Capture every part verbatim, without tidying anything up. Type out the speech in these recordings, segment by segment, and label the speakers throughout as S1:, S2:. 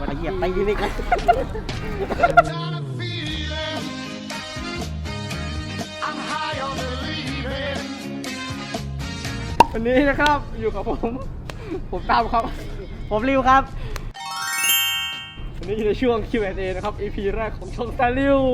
S1: เอาเหยียบไปยิงเลยครับ
S2: วันนี้นะครับอยู่กับผมผมตามครับ
S1: ผมริวครับ
S2: วันนี้อยู่ในช่วง คิว แอนด์ เอ นะครับ อี พี แรกของช่องตาลิว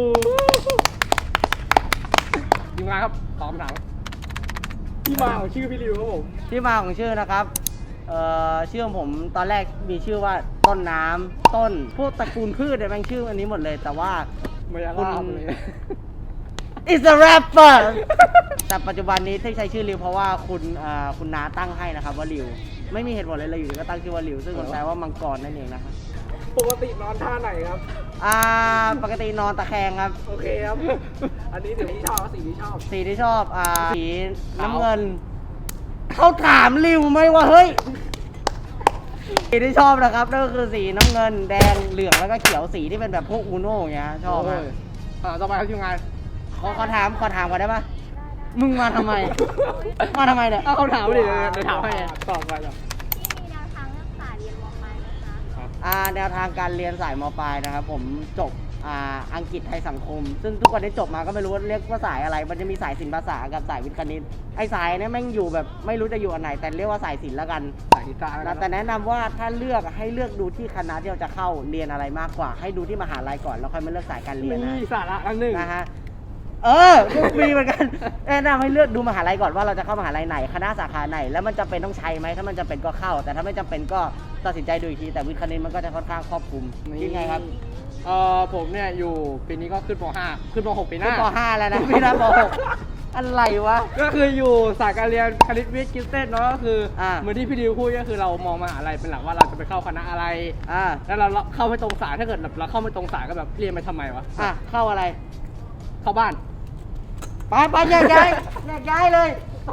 S2: ทีมงานครับตอบคำถามที่มาของชื่อพี่ริวครับผม
S1: ที่มาของชื่อนะครับเอ่อชื่อของผมตอนแรกมีชื่อว่าต้นน้ำต้นพวกตระกูลพืชเนี่ยแม่งชื่ออันนี้หมดเลยแต่ว่า
S2: มายา
S1: คุณ
S2: ลาบเลย
S1: is a rapper แต่ปัจจุบันนี้ที่ใช้ชื่อริวเพราะว่าคุณอ่าคุณน้าตั้งให้นะครับว่าริวไม่มีเหตุผลอะไรเลยอยู่ดีก็ตั้งชื่อว่าริวซึ่งมันแปลว่ามังกรนั่นเองนะครับ
S2: ปกตินอนท่าไหนครับ
S1: อ่าปกตินอนตะแคงครับ
S2: โอเคครับ อันนี้สีที่ชอบสีที่ชอบ
S1: สีที่ชอบอ่าสีน้ำเงินเขาถามริวไหมว่าเฮ้ยสีที่ชอบนะครับนั่นก็คือสีน้ำเงินแดงเหลืองแล้วก็เขียวสีที่เป็นแบบพวกอูโน่อย่างเงี้ยชอบมาก
S2: อ่าต่อไปครับทีมงาน
S1: ขอขอถามขอถามก่อนได้ปะมึงมาทำไม มาทำไมเนี่ย
S2: เอาคำถามมาดิเดี๋ยวถามให้ตอบไปจ้ะ
S3: ที่มีแนวทางเลือกสายเรียนมปลายไหมคะ
S1: อ่าแนวทางการเรียนสายมปลายนะครับผมจบอ่าอังกฤษไทยสังคม ซึ่งทุกวันนี้จบมาก็ไม่รู้ว่าเรียกว่าสายอะไร มันจะมีสายศิลปภาษากับสายวิทย์คณิตไอ้สายเนี่ยแม่งอยู่แบบไม่รู้จะอยู่อันไหนแต่เรียกว่าสายศิลป์แล้วกัน
S2: สายกีตาร์แล้ว
S1: แต่แนะนำว่าถ้าเลือกให้เลือกดูที่คณะที่เราจะเข้าเรียนอะไรมากกว่า ให้ดูที่มหาลัยก่อนแล้วค่อยมาเลือกสายการเรียนนะ
S2: มีสาระอันหนึ่ง
S1: นะฮะเออก็มีเหมือนกันแนะนำให้เลือกดูมหาลัยก่อนว่าเราจะเข้ามหาลัยไหนคณะสาขาไหนแล้วมันจำเป็นต้องใช้ไหมถ้ามันจำเป็นก็เข้า แต่ถ้าไม่จำเป็นก็ตัดสินใจดูอีกทีแต่วิทย์คณิตมันก็จะค่อนข้างครอบคลุมคิดไงครับ
S2: เออผมเนี่ยอยู่ปีนี้ก็ขึ้นป .ห้า ขึ้นป .หก ปีห
S1: ขึ้
S2: น้า
S1: นป .ห้า แล้วนะพี่นะป .หก อะไรวะ
S2: ก็คืออยู่สายการเรียนคณิตวิทย์กิฟเต็ดเนาะก็คืออา เหมือนที่พี่ดิวพูดก็คือเรามองมหาลัยเป็นหลักว่าเราจะไปเข้าคณะอะไร
S1: อ่า
S2: แล้วเราเข้าไม่ตรงสายถ้าเกิดแบบเราเข้าไม่ตรงสายก็แบบเรียนไปทำไมวะ
S1: อ่ะเข้าอะไร
S2: เข้าบ้าน
S1: ไปไปแยกย้ายแยกย้ายเลย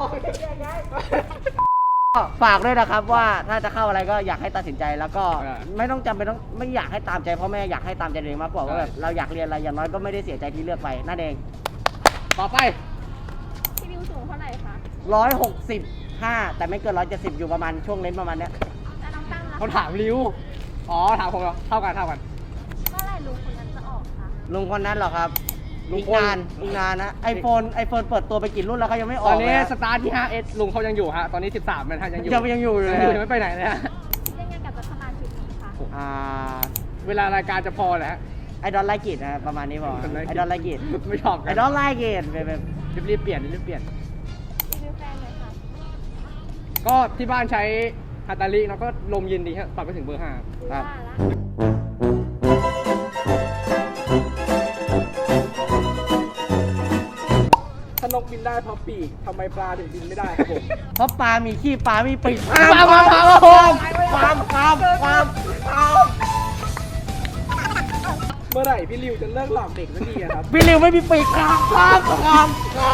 S1: ก็ฝากด้วยนะครับว่าถ้าจะเข้าอะไรก็อยากให้ตัดสินใจแล้วก็
S2: อ่า
S1: ไม่ต้องจำเป็นต้องไม่อยากให้ตามใจพ่อแม่อยากให้ตามใจตัวเองมากกว่าว่าแบบ
S2: ใช่
S1: เราอยากเรียนอะไรอย่างน้อยก็ไม่ได้เสียใจที่เลือกไปนั่นเอง
S2: ต่อไป
S3: พี่วิวสูงเท่าไหร่คะ
S1: ร้อยหกสิบห้าแต่ไม่เกินร้อยเจ็ดสิบอยู่ประมาณช่วงเลนส์ประมาณเนี้ย
S3: แล้วน้องตั้งล่ะ
S2: เขาถามริวอ๋อถามผมเหรอเท่ากันเท่ากัน
S3: เมื่อไหร่ลุงคนนั้นจะออกคะ
S1: ลุงคนนั้นเหรอครับ
S2: ลุง
S1: อีก
S2: คน
S1: นานอีกนานนะไอโฟนไอโฟนเปิดตัวไปกี่รุ่นแล้วเขายังไม่อ
S2: ต
S1: อ
S2: อก น
S1: เล
S2: นี้
S1: ย
S2: สตาร์ทที่ ไฟว์เอส ลุงเขายังอยู่ฮะตอนนี้สิบสามมันฮะยังอยู่
S1: ยังยังอยู่อยู่เลย
S2: ยังไม่ไปไหนเลยฮะ
S3: คิดยังไงกับรัฐบาลชุดนี้คะ
S1: อ่า
S2: เวลารายการจะพอแหละ
S1: ไอดอลไลกิตนะประมาณนี้พอไอดอลไลกิต
S2: ไม่ชอบ
S1: ไอดอลไลกิตแบบ
S2: รีบๆเปลี่ยนรีบๆเปลี่ยน
S3: รีวิวแฟนเลยค่ะ
S2: ก็ที่บ้านใช้ฮาตาลิแล้วก็ลมเย็นดีครับปรับไปถึงเบอร์ห้า
S1: ครับ
S3: ว่าละ
S2: ถ้านกบินได้เพราะปีกทำไมปลาถึงบินไม่ได้ครับผม
S1: เพราะปลามีขี้ปลามีปีก
S2: ปลาปลาปลา
S1: ความความความความความ
S2: เมื่อไหร่พี่ริวจะเลิกหลอกเด็กสักทีอะครับ
S1: พี่ริวไม่มีปีกความความความความ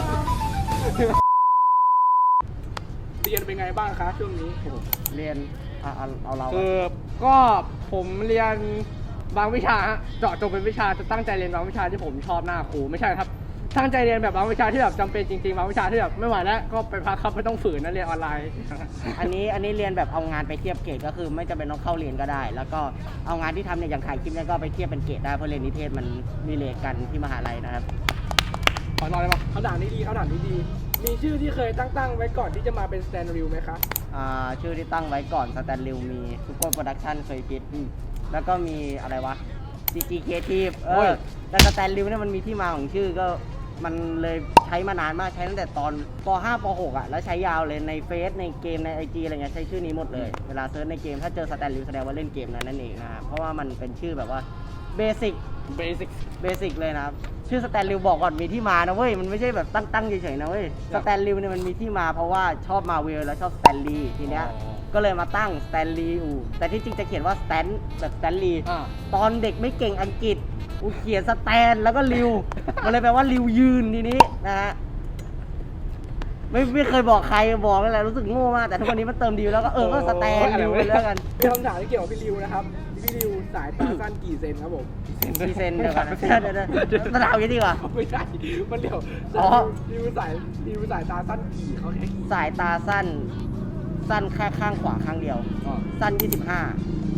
S2: เรียนเป็นไงบ้างคะช่วงนี้
S1: เรียนอ่ะเอาเอาเรา
S2: คือก็ผมเรียนบางวิชาฮะเจาะจงเป็นวิชาจะตั้งใจเรียนบางวิชาที่ผมชอบหน้าครูไม่ใช่ครับตั้งใจเรียนแบบบางวิชาที่แบบจำเป็นจริงๆบางวิชาที่แบบไม่ไหวแล้วก็ไปพักครับไม่ต้องฝืนนะเรียนออนไลน์
S1: อันนี้อันนี้เรียนแบบเอางานไปเทียบเกรดก็คือไม่จำเป็นต้องเข้าเรียนก็ได้ แล้วก็เอางานที่ทำเนี่ยอย่างถ่ายคลิปเนี่ยก็ไปเทียบเป็นเกรดได้เพราะเรียนนิเทศมันมีเลทกันที่มหาลัยนะครับ
S2: ขอนอนเลยปะเขาด่านนี้ดีเขาด่านนี้ดี มีชื่อที่เคยตั้งตั้งไว้ก่อนที่จะมาเป็นสแตนด์ริวไหมคะ
S1: อ่าชื่อที่ตั้งไว้ก่อนสแตนลิวมีซุปเปอร์โปรดักชั่นเคยคิดอืมแล้วก็มีอะไรวะ ซี จี Creative เอ
S2: โอ้
S1: อย แต่สแตนลิวเนี่ยมันมีที่มาของชื่อก็มันเลยใช้มานานมากใช้ตั้งแต่ตอนป .ห้า ป .หก อ่ะแล้วใช้ยาวเลยในเฟซในเกมใน ไอ จี อะไรเงี้ยใช้ชื่อนี้หมดเลย เวลาเซิร์ชในเกมถ้าเจอสแตนลิวแสดงว่าเล่นเกมนั้นนั่นเองนะครับเพราะว่ามันเป็นชื่อแบบว่าเบสิก
S2: เบสิก
S1: เบสิกเลยนะครับชื่อสแตนลิวบอกก่อนมีที่มานะเว้ยมันไม่ใช่แบบตั้งตั้งเฉยๆนะเว้ย
S2: ครั
S1: ส
S2: บ
S1: แตนลิวเนี่ยมันมีที่มาเพราะว่าชอบมาเวลแล้วชอบสแตนลีย์ทีเนี้ย
S2: อ๋อ
S1: ก็เลยมาตั้งสแตนลีย์อูแต่ที่จริงจะเขียนว่าสแตนแบบสแตนลีย์
S2: อ่า
S1: ตอนเด็กไม่เก่งอังกฤษกูเขียนสแตนแล้วก็ลิว มันเลยแปลว่าลิวยืนทีนี้นะฮะไม่ไม่เคยบอกใครบอกนั่นแหละรู้สึกโง่มากแต่ทุกวันนี้มันเติมดีแล้วก็เออก็สแตนลิวไปแล้วกัน
S2: มีคำถามที่เกี่ยวกับพี่ริวนะครับพี่ริวสายตาสั้นกี่เซนครับผม
S1: กี่เซนเดี๋ยวก่อนนะเดี๋ยวเดี๋ยวเดี๋ยวมาถามกันดีกว่า
S2: ไม่ใช่มันเดี๋ยว
S1: อ๋อ
S2: ริวสายริวสายตาสั้นกี่เขาแค่กี่
S1: สายตาสั้น สั้นแค่ข้างขวาข้างเดียว
S2: อ๋อ
S1: สั้นยี่สิบห้า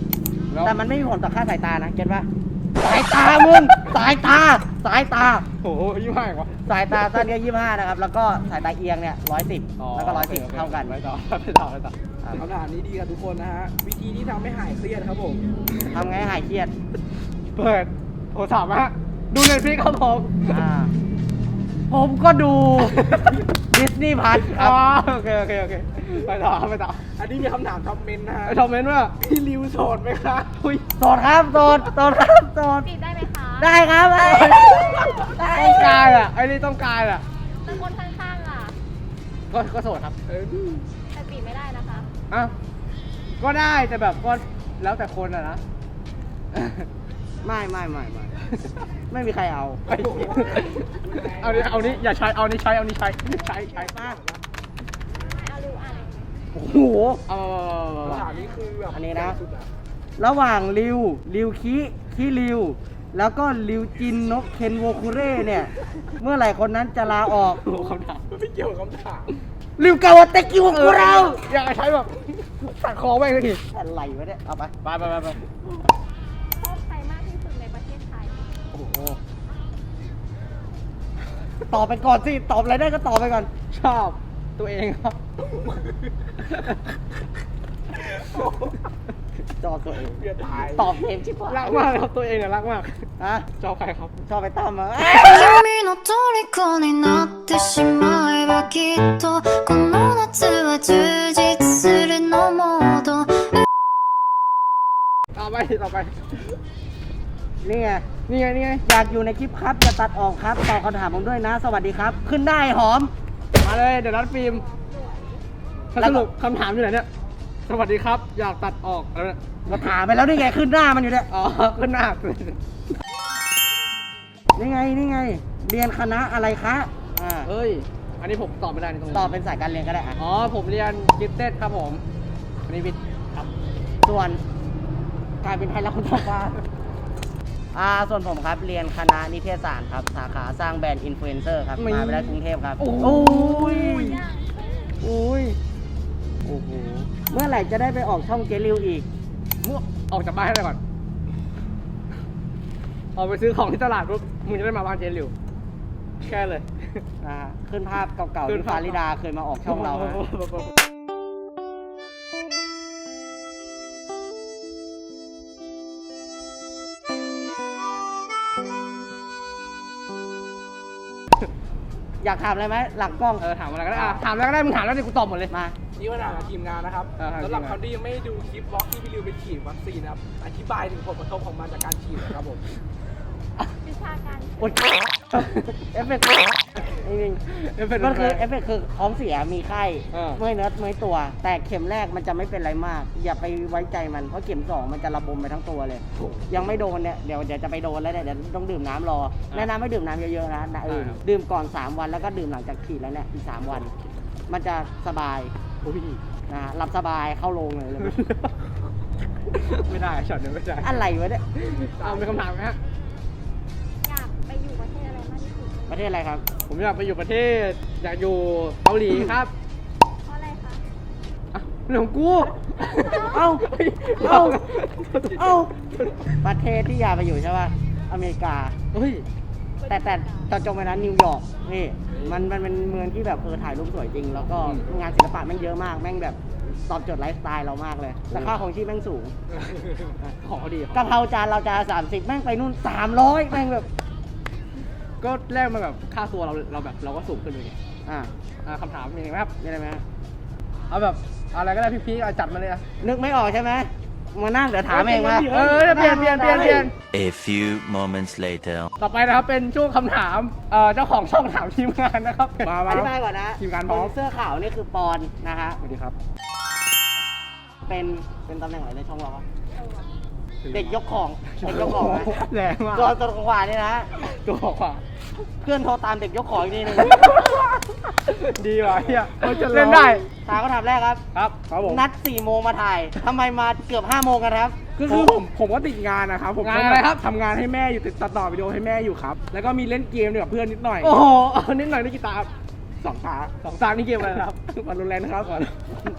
S2: แล้ว
S1: แต่มันไม่มีผลต่อค่าสายตานะเก็ตปะสายตามึงสายตาสายตา
S2: โอ้โหยี่ห้าอีกวะ
S1: สายตาสั้นก็ยี่ห้านะครับแล้วก็สายตาเอียงเนี่ยร้อยสิบแล้วก็ร้อยสิบเท่ากัน
S2: ไปต่อไปต่อไปต่อ
S4: คำถามนี้ดีกับทุกคนนะฮะ วิธีที่ทำให้หายเครียดครับผม
S1: ทำไงให้หายเครียด
S2: เปิดโทรศัพท์ฮะดูเน็ตฟลิกครับผม
S1: อ่าผมก็ดูดิสนีย์พัทค
S2: อ๋
S1: รั
S2: อบ โอเคโอเคโอเคไปต่อไปต่อ
S4: อันนี้มีคำถามคอมเมนต์นะฮะ
S2: ไอ้คอมเมนต์ว่า
S4: พี่ริวโสดไหมคะอุ้ย
S1: โสดครับโสดโสดครับโสด
S3: จีบได้ไหมคะ
S1: ได้ครับได้ได้
S2: ต้องการอ่ะไอ้นี่ต้องการอ่ะ
S3: แต่คนข้างๆล่ะ
S2: ก็ก็โสดครับ
S4: เออ
S3: แต่จีบไม่ได้นะคะ
S2: อ่ะก็ได้แต่แบบก็แล้วแต่คนอ่ะนะ
S1: ไม่ไม่ไม่ไม่ไม่มีใครเอา
S2: เอานี้เอานี้อย่าใช้เอานี้ใช้เอานี้ใช้ใช้ใช้
S1: มา
S3: เอาดูอ่าน
S1: โอ้โห
S2: เอา
S4: คำถามนี้คือแบบ
S1: อันนี้นะ
S4: สุดอ
S1: ระหว่างริวริวคิคิริว แล้วก็ริวจินนกเคนโวคุเร่เนี่ย เมื่อไหร่คนนั้นจะลาออก
S2: โอ้คำถาม
S4: ไม่เกี่ยวกับคำถาม
S1: ริวกาวาเตกิวคุเรา
S2: อยากใช้แบบตัดคอแม่งเลยที
S1: อะไรวะเนี่ยเอาไป
S2: ไปไปไปไป
S3: ชอบใครมากที่สุดในประเทศไทย
S2: โอ้โห
S1: ตอบไปก่อนสิตอบอะไรได้ก็ตอบไปก่อน
S2: ชอบตัวเองครับ
S1: จอตัวเอง
S4: เพื่อตาย
S1: ตอบเองชิบหาย
S2: รักมากครับตัวเองอะรักมาก
S1: ฮะ
S2: ชอบใครครับ
S1: ชอบไปตั้มมา
S5: 君の虜になってしまえばきっとこの夏は充実するのモード
S2: ต่อไปต่อไป
S1: นี่ไง
S2: นี่ไงนี่ไง
S1: อยากอยู่ในคลิปครับจะตัดออกครับตอบคำถามผมด้วยนะ สวัสดีครับ ขึ้นได้หอม
S2: มาเลยเดี๋ยวนัดฟิล์มถ้า
S1: แล้
S2: ส
S1: วก็
S2: รุปคำถามอยู่ไหนเนี่ยสวัสดีครับ อยากตัดออกอะไรเนี่ย
S1: มาถามไปแล้วนี่ไงขึ้นหน้ามันอยู่เนี่ย
S2: อ๋อขึ้นหน้า
S1: นี่ไงนี่ไง เรียนคณะอะไรคะอ่า
S2: เฮ้ย อันนี้ผมตอบไม่ได้ในตรงนี้
S1: ตอบเป็นสายการเรียนก็ได้อ่ะ
S2: อ๋อ ผมเรียนกิฟเต็ดครับผม อันนี้วิทย์ครับ
S1: ส่วนการเป็นไทยรัฐคุณฟ้าอ่าส่วนผมครับเรียนคณะนิเทศศาสตร์ครับสาขาสร้างแบรนด์อินฟลูเอนเซอร์ครับ
S2: มี
S1: มาไปได้กรุงเทพครับ
S2: โอ้ย
S1: ยอุ้ยโอ้โหเมื่อไหร่จะได้ไปออกช่องเจลิวอีก
S2: มั่วออกจากบ้านให้ได้ก่อน ออกไปซื้อของที่ตลาดปุ๊บมึงจะได้มาบ้านเจนหลิวแค่เลย
S1: นะฮะขึ้นภาพเก่าๆ
S2: ขึ้น
S1: ที่
S2: ภาพ
S1: ฟาริดาเคยมาออกช่องเราฮะ อยากถามอะไรไหมหลังกล้อง
S2: เออถามอะไรก็ได้อ่ะถามอะไรก็ได้ มึงถามแล้วดิกูตอบหมดเลย
S1: มา
S4: นี่ว่าถามกับทีมงานนะครับ
S2: อ่าครับ
S4: สำหรับ
S2: ทีมงาน
S4: คนที่ยังไม่ได้ดูคลิปบล็อกที่พี่ริวไปฉีดวัคซีนนะครับ อธิบายถึงผลกระทบของมันจากการฉีดหนะครับผม
S3: วิชาการ
S1: โอ๊ยเอฟเฟกต์จริง
S2: เอฟเฟกต์
S1: ๆมันคือ
S2: แรง
S1: เอฟเฟกต์คือท้องเสียมีไข้
S2: เออ
S1: เมื่อยเนื้อเมื่อยตัว แต่เข็มแรกมันจะไม่เป็นไรมาก อย่าไปไว้ใจมันเพราะเข็มสองมันจะระบมไปทั้งตัวเลย ยังไม่โดนเนี่ยเดี๋ยวเดี๋ยวจะไปโดนแล้วเนี่ยเดี๋ยวต้องดื่มน้ำรอแนะนำให้ดื่มน้ำเยอะๆนะนะเออดื่มก่อนสามวันแล้วก็ดื่มหลังจากฉีดแล้วเนี่ยอีกสามวัน มันจะสบาย
S2: โอ้ย
S1: นะฮะหลับสบายเข้าโรงเลยเลย
S2: ไม่ได้ช็อตนี้ไม่ได้
S1: อะไรวะเนี่ย
S2: เอาเป็นคำถามไหมฮะ
S3: อยากไปอยู่ประเทศอะไรมากที่สุด
S1: ประเทศอะไรครับ
S2: ผมอยากไปอยู่ประเทศ อยากอยู่เกาหลีครับ
S3: เพราะอะไรคะ
S2: อ่ะเรื่องของกู
S1: เอ้า เอ้า เอ้า ประเทศที่อยากไปอยู่ใช่ป่ะ อเมริกา
S2: เฮ้ย
S1: แต่แต่ตอนจงไปนั้นนิวยอร์กนี่มันมันเป็นเมืองที่แบบเออถ่ายรูปสวยจริง แล้วก็
S2: อืม
S1: งานศิลปะแม่งเยอะมาก แม่งแบบตอบโจทย์ไลฟ์สไตล์เรามากเลยแต่ค่าของชีพแม่งสูง
S2: ของเขาดี
S1: กะเพราจานเราจานสามสิบแม่งไปนู่นสามร้อยแม่งแบบ
S2: ก็แรกมาแบบค่าตัวเราเราแบบเราก็สูงขึ้นเลยไง
S1: อ่า
S2: อ่ะคำถามมีอะไรไหมครับ
S1: นี่อะไรไหมฮะ
S2: เอาแบบอะไรก็ได้พี่ๆอ่ะจัดมาเลยอ่ะ
S1: นึกไม่ออกใช่ไหมมานั่งเดี๋ยวถามเองมา
S2: เออเปลี่ยนเปลี่ยนเปลี่ยนเปลี่ยน
S6: A few moments later.
S2: ต่อไปนะครับเป็นช่วงคำถามเอ่อเจ้าของช่องถามทีมงานนะครับ มา
S1: อ
S2: มา
S1: ธิบายก่อนนะ
S2: ทีมงานพร้อม
S1: คเสื้อขาวนี่คือปอนนะฮะ
S2: สวัสดีครับ
S1: เป็นเป็นตำแหน่งอะไรในช่องเราวะเด็กยกของเด็กยกของนะ
S2: แรงมาก
S1: ตัวตัวขวานี่นะ
S2: ตัวขวา
S1: เพื่อนโทรตามเด็กยกของอีกทีหนึง
S2: ดีว่ะเฮียเล่นได้
S1: ถามคำถามแรกครับ
S2: ครับครับผม
S1: นัดสี่โมงมาถ่ายทำไมมาเกือบห้าโมงกันครับ
S4: ก็คือผมผมก็ติดงานนะครับผม
S2: งานอะไรครับ
S4: ทำงานให้แม่อยู่ติดตัดต่อวิดีโอให้แม่อยู่ครับ แล้วก็มีเล่นเกมด้วยกับเพื่อนนิดหน่อย
S2: โอ้โหเอานิดหน่อยได้กีตาร์สองตาสองตานี่เกมอะไรนะครับวันรุนแรงนะครับก่อน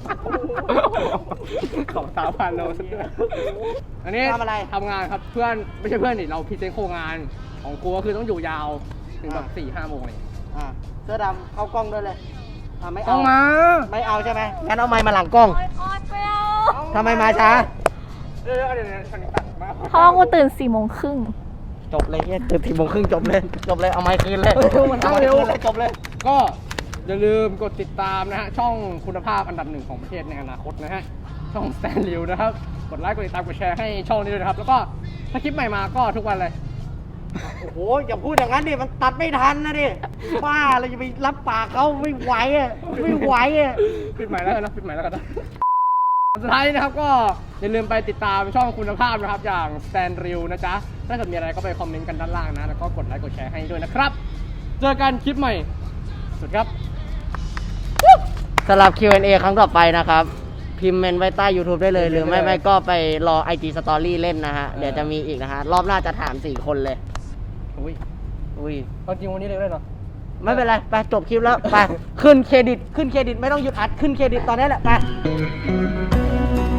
S2: สองตาพันโลสักด้วยอันนี้
S1: ทำอะไร
S2: ทำงานครับเพื่อนไม่ใช่เพื่อนนี่เราพรีเซนต์โครงงานของกูก็คือต้องอยู่ยาวถึงแบบสี่ห้าโมงเลย
S1: อ่าเสื้อดำเข้ากล้องด้วยเลยอ่าไม่
S2: ต้
S1: เอา
S2: องมา
S1: ไม่เอาใช่ไหมงั้นเอาไม้มาหลังกล้อง
S3: โอ๊ยโอ๊ยไปเอา
S1: ทำไมมาช้า
S2: เดี๋ยวเดี๋ยวเดี๋ยวฉันตัดมา
S3: เพราะว่ากูตื่นสี่โมงครึ่ง
S1: จบเลยเนี่ยตื่นสี่โมงครึ่งจบเลย จบเลย เอาไม้คืนเลย
S2: มัน
S1: เอา
S2: เข้า
S1: ไม้
S2: เร็ว
S1: คืนเลยจบเลย
S2: ก็อย่าลืมกดติดตามนะฮะช่องคุณภาพอันดับหนึ่งของประเทศในอนาคตนะฮะช่อง Stan Liu นะครับกดไลค์กดติดตามกดแชร์ให้ช่องนี้ด้วยนะครับแล้วก็ถ้าคลิปใหม่มาก็ทุกวันเลย
S1: โอ้โห อย่าพูดอย่างนั้นดิ มันตัดไม่ทันนะดิ บ้าเราจะไปรับปากเขาไม่ไหวอ่ะ ไม่ไหวอ่ะ
S2: ปิดใหม่แล้วกันนะปิดใหม่แล้วกันนะสุดท้ายนะครับก็อย่าลืมไปติดตามช่องคุณภาพนะครับอย่าง Stan Liu นะจ๊ะถ้าเกิดมีอะไรก็ไปคอมเมนต์กันด้านล่างนะแล้วก็กดไลค์กดแชร์ให้ด้วยนะครับเจอกันคลิปใหม่สวัสดีครับ
S1: สำหรับ คิว แอนด์ เอ ครั้งต่อไปนะครับ พิมพ์เมนไว้ใต้ YouTube ได้เลย หรือไม่ไม่ก็ไปรอ ไอ จี Story เล่นนะฮะ เดี๋ยวจะมีอีกนะฮะ รอบหน้าจะถามสี่คนเลย
S2: อุ้ย
S1: อุ้ย
S2: เอาจริงวันนี้เลยได้เหรอ
S1: ไม่เป็นไร ไปจบคลิปแล้ว ไป ขึ้นเครดิต ขึ้นเครดิต ไม่ต้องหยุดอัด ขึ้นเครดิตตอนนี้แหละ ไป